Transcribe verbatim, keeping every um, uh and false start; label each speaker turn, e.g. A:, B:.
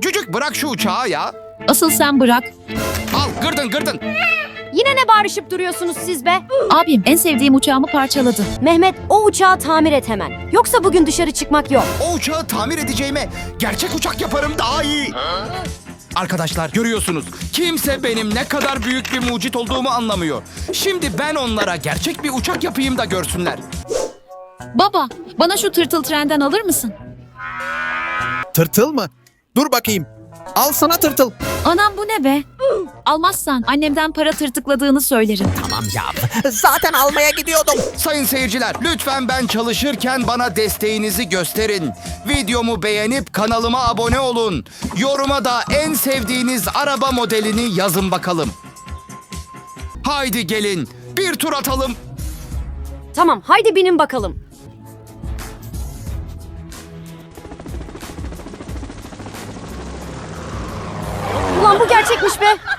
A: Cücük bırak şu uçağı ya.
B: Asıl sen bırak.
A: Al gırdın gırdın.
C: Yine ne bağırışıp duruyorsunuz siz be?
B: Abim en sevdiğim uçağımı parçaladı.
C: Mehmet, o uçağı tamir et hemen. Yoksa bugün dışarı çıkmak yok.
A: O uçağı tamir edeceğime gerçek uçak yaparım daha iyi. Arkadaşlar görüyorsunuz, kimse benim ne kadar büyük bir mucit olduğumu anlamıyor. Şimdi ben onlara gerçek bir uçak yapayım da görsünler.
B: Baba, bana şu tırtıl trenden alır mısın?
D: Tırtıl mı? Dur bakayım. Al sana tırtıl.
B: Anam bu ne be? Almazsan annemden para tırtıkladığını söylerim.
D: Tamam ya. Zaten almaya gidiyordum.
A: Sayın seyirciler, lütfen ben çalışırken bana desteğinizi gösterin. Videomu beğenip kanalıma abone olun. Yoruma da en sevdiğiniz araba modelini yazın bakalım. Haydi gelin, bir tur atalım.
C: Tamam, haydi binin bakalım. Ulan bu gerçekmiş be.